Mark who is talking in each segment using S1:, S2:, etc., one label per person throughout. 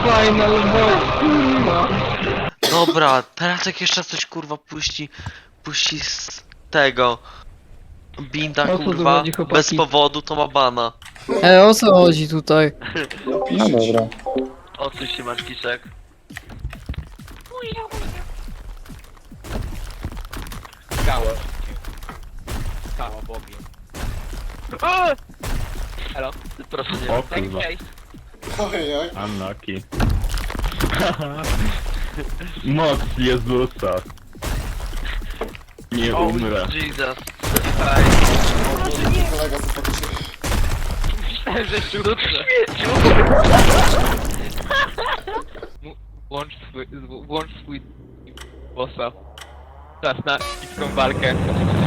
S1: Final boss, kurwa.
S2: Dobra, teraz jak jeszcze coś kurwa puści z tego binda
S1: O co tu
S2: kurwa
S1: chodzi, chłopaki?
S2: bez powodu to ma bana.
S1: O co chodzi tutaj?
S3: No dobra.
S2: Odsuń się Markiszek.
S4: Skała. Skała, Bobie. Halo?
S2: Proszę nie.
S5: O
S4: Tak,
S5: kurwa,
S4: cześć.
S3: Ojej.
S5: unlucky. Moc Jezusa. Nie umrę.
S2: Jesus.
S3: Kolega sympatyczny.
S4: Myślałem, że sztuczne. Włącz swój bossa. Czas na epicką walkę.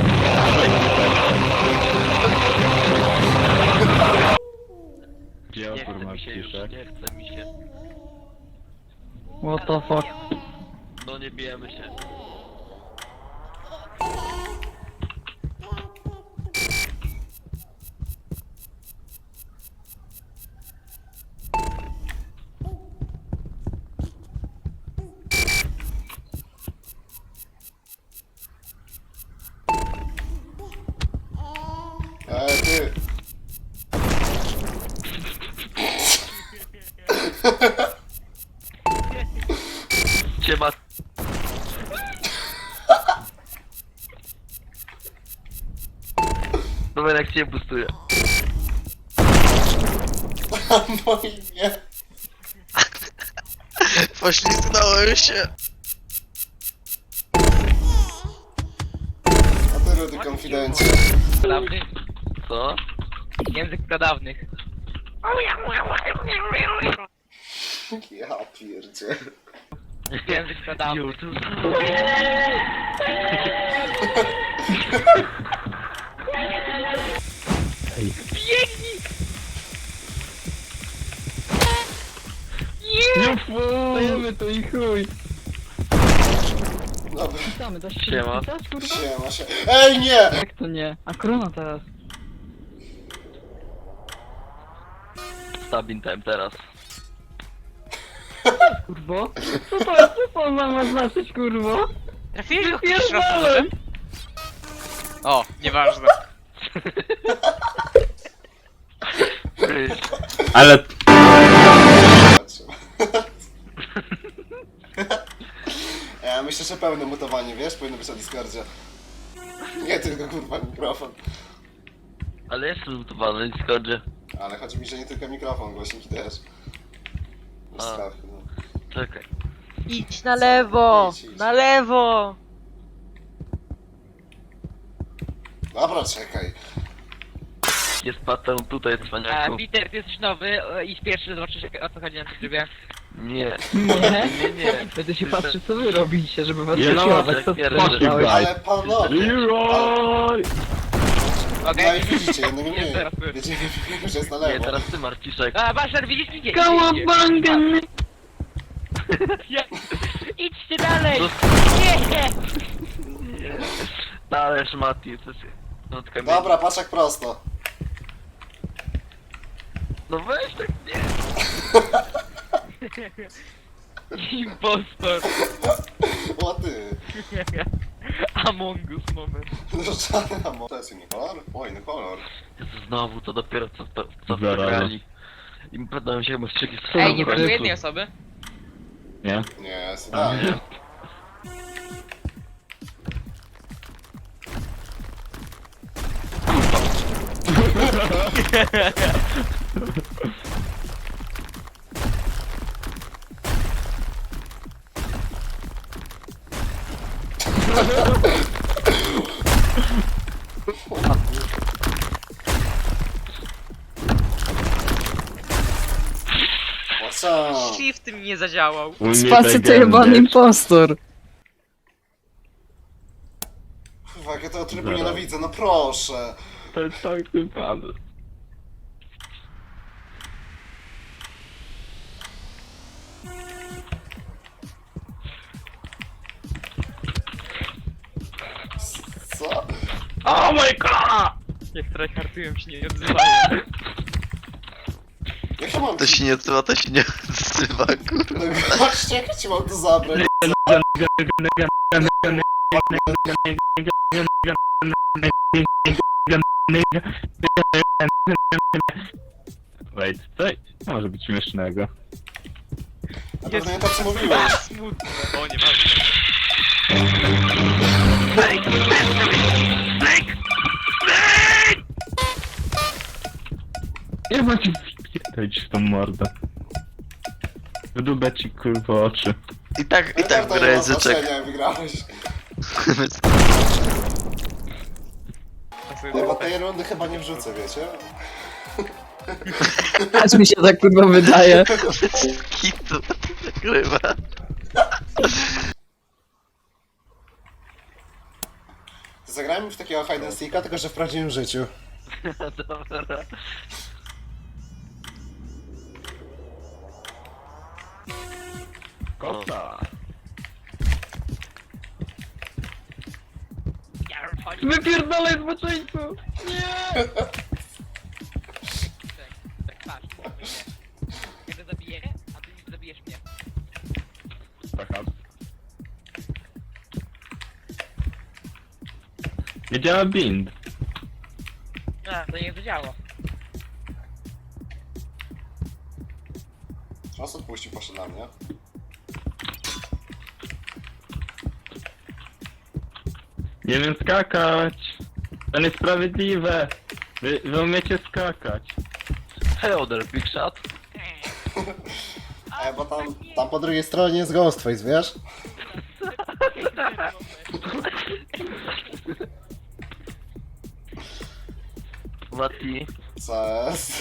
S5: Gdzie
S2: Nie
S5: opór
S2: chce
S5: ma
S2: mi się już,
S5: ciszek?
S2: nie chce mi się.
S1: What the fuck?
S2: No nie bijemy się.
S3: Ty.
S2: Ciema. Dobra, jak cię bustuje.
S3: No i nie.
S2: Poślizgnąłem się.
S3: A ty Rudy konfidencie.
S4: Pradawnych?
S2: Co?
S4: Język pradawnych.
S3: Ja pierdzie.
S4: Język pradawnych.
S2: YouTube.
S1: Stajemy tu i chuj.
S3: Dobra,
S1: Witamy, da się
S2: Siema.
S1: wpisać, kurwa?
S3: siema się. Ej, nie!
S1: Jak to nie? A korona teraz.
S2: Stabin time teraz.
S1: Kurwo? Co to jest? Co to ma znaczyć, kurwo?
S6: Trafiłeś go
S1: Pierdolę!
S6: O, nieważne.
S5: Ale
S3: Ja myślę, że pełne mutowanie, wiesz? Powinno być na Discordzie. Nie tylko kurwa mikrofon.
S2: Ale jestem zlutowany na Discordzie.
S3: Ale chodzi mi, że nie tylko mikrofon, głośniki też. Słuchawki, no.
S2: Czekaj.
S6: Idź na lewo!
S3: Idź, idź.
S6: Na lewo!
S3: Dobra, czekaj.
S2: Jest pattern tutaj, cwaniaku.
S4: Peter, ty jesteś nowy i pierwszy zobaczysz o co chodzi na tym trybie.
S2: Nie.
S1: Nie?
S2: Nie.
S1: Będę się patrzył, co wy robicie, żeby was
S5: Nie, no,
S1: prześladować. Co
S2: tak,
S1: spłaszczałeś?
S3: Ale panowie!
S5: Leroy!
S3: No
S4: Okej?
S3: i widzicie, jednego
S4: Jest
S3: mniej.
S4: teraz ty.
S3: Wiecie, że jest na
S2: Nie,
S3: lewo.
S2: teraz ty Marciszek.
S4: A, Baszar, widzisz mnie?
S1: Kałabangan!
S4: Idźcie dalej!
S2: To-
S4: Nie!
S2: Ależ Mati, to jest... No, tylko
S3: Dobra, patrz jak prosto.
S2: No weź tak nie.
S4: Impostor!
S3: O ty.
S4: Among Us moment.
S3: Różana, to jest inny kolor? O, inny kolor.
S2: Jezu, znowu to dopiero co
S5: Zaraz.
S2: wygrali. I pytałem się chyba strzyki z
S6: Ej, nie
S2: Dobra.
S6: brakuje jednej osoby?
S5: Nie?
S3: Nie, jest idealnie. O co?
S6: Shift mi nie zadziałał.
S5: U mnie
S1: Spacy to
S5: tak
S1: jebany
S5: gębę.
S1: impostor.
S3: Kurwa, jak ja tego trybu
S5: Zaraz.
S3: nienawidzę, no proszę.
S5: To jest tak pan.
S3: Co?
S5: Oh my god!
S4: Jak tryhardują się nie odzywają.
S3: Jak ja mam
S2: To
S3: ci...
S2: się nie odzywa, to się nie odzywa, kurwa.
S3: No goście, jak ja ci mam to zabrać?
S5: Wait, co może być śmiesznego?
S3: Na pewno nie to co mówiłeś.
S6: Smutne. O, nie ma.
S5: Nie ma ci wpierdolić w tą mordę. Wydubę ci kurwa oczy.
S2: I tak
S3: To nie ma
S2: języczek.
S3: znaczenia, wygrałeś. Nie, bo tej rundy chyba nie wrzucę, wiecie?
S1: Aż mi się tak kurwa wydaje.
S2: Kitu, kurwa.
S3: Zagrajmy w takiego hide and seeka, tylko że w prawdziwym życiu.
S2: Dobra.
S5: Kota!
S1: Wypierdalaj zboczeńcu!
S6: Tak, patrz. Ja go zabiję, a ty nie zabijesz mnie.
S5: Taka. Nie działa bind.
S6: A, to nie zadziało.
S3: Czas odpuścił, poszedł na mnie.
S5: Nie wiem skakać. To niesprawiedliwe. Wy umiecie skakać.
S2: Hello there, big shot.
S3: Bo tam po drugiej stronie jest Ghostface, wiesz?
S2: Mati.
S3: Co jest?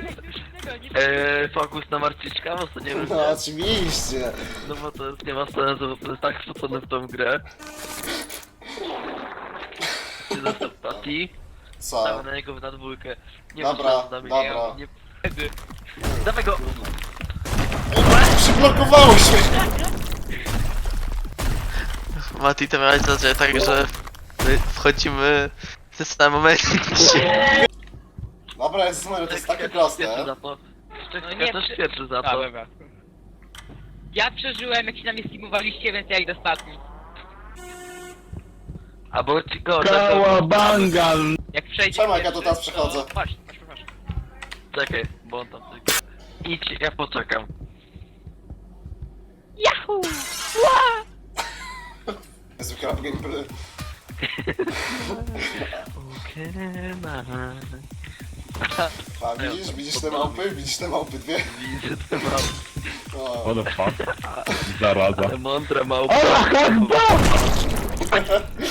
S2: Fokus na Marciczka, bo to nie wiem.
S3: No oczywiście.
S2: No bo to jest, nie ma sensu, bo to jest tak wrzucone w tą grę. Czy został Mati?
S3: Co?
S2: Damy na niego na dwójkę. Nie
S3: Dobra,
S2: ma szans na mnie.
S3: dobra.
S2: Nie, dawaj go!
S3: Przyblokowało się!
S7: Mati, to miałeś zacząć tak, że my wchodzimy w tym samym momencie.
S3: Dobra, jest numer, to jest takie
S2: Pierwszy
S3: proste.
S2: za to.
S6: No
S2: Ja
S6: nie,
S2: też
S6: przy-
S2: pierwszy za
S6: A,
S2: to.
S6: dobra. Ja przeżyłem, jak się na mnie steamowaliście, więc ja idę ostatni.
S2: Albo ci go,
S5: Kałabanga!
S6: Jak przejdzie
S3: Czemu, jak ja
S6: pierwszy,
S3: tu teraz przechodzę?
S6: To... Patrz.
S2: Czekaj, bo on tam... Idź, ja poczekam.
S6: Yahoo!
S3: Zwykle gameplay. A widzisz te małpy? Widzisz te małpy dwie?
S2: Widzę te małpy.
S3: O.
S5: What the fuck? Zaraza.
S2: Ale mądre małpy.
S5: Allah Akbar!